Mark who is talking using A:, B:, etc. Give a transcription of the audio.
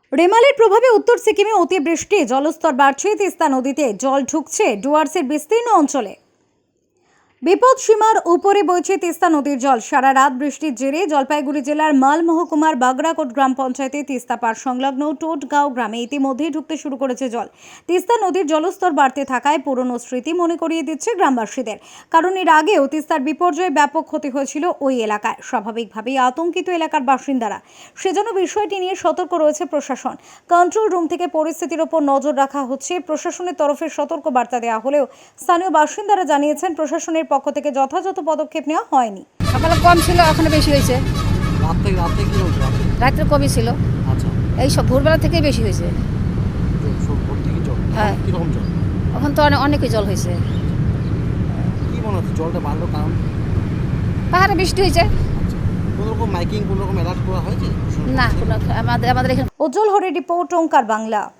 A: রেমালের প্রভাবে উত্তর সিকিমে অতিবৃষ্টি, জলস্তর বাড়ছে, তিস্তা নদীতে জল ঢুকছে ডুয়ার্সের বিস্তীর্ণ অঞ্চলে। বিপদ সীমার উপরে বইছে তিস্তা নদীর জল। সারা রাত বৃষ্টির জেরে জলপাইগুড়ি জেলার মাল মহকুমার বাগড়াকোট গ্রাম পঞ্চায়েতে তিস্তা পার সংলগ্ন টোটগাঁও গ্রামে ইতিমধ্যেই ঢুকতে শুরু করেছে জল। তিস্তা নদীর জলস্তর বাড়তে থাকায় পুরনো স্মৃতি মনে করিয়ে দিচ্ছে গ্রামবাসীদের। কারণ এর আগেও তিস্তার বিপর্যয়ে ব্যাপক ক্ষতি হয়েছিল ওই এলাকায়। স্বাভাবিকভাবেই আতঙ্কিত এলাকার বাসিন্দারা, সেজন্য বিষয়টি নিয়ে সতর্ক রয়েছে প্রশাসন। কন্ট্রোল রুম থেকে পরিস্থিতির ওপর নজর রাখা হচ্ছে। প্রশাসনের তরফে সতর্ক বার্তা দেওয়া হলেও স্থানীয় বাসিন্দারা জানিয়েছেন প্রশাসনের পক্ষ থেকে যথাযথ পদক্ষেপ নেওয়া হয়নি।
B: সকালে কম ছিল, এখন বেশি হয়েছে।
C: রাতে কি হচ্ছে?
B: রাত্রে কমই ছিল,
C: আচ্ছা,
B: এই সব ভোরবেলা থেকেই বেশি হয়েছে।
C: ভোর থেকে জল?
B: হ্যাঁ।
C: কিরকম জল?
B: এখন তো অনেকই জল হয়েছে।
C: কি মনে হচ্ছে জলটা বাড়লো কারণ?
B: পাহাড়ে বৃষ্টি হয়েছে।
C: আচ্ছা, কোনো রকম মাইকিং, কোনো রকম অ্যালার্ট করা হয়েছে?
B: না, কোনো আমাদের এখানে
A: উজ্জ্বল হরের রিপোর্ট, ওঙ্কার বাংলা।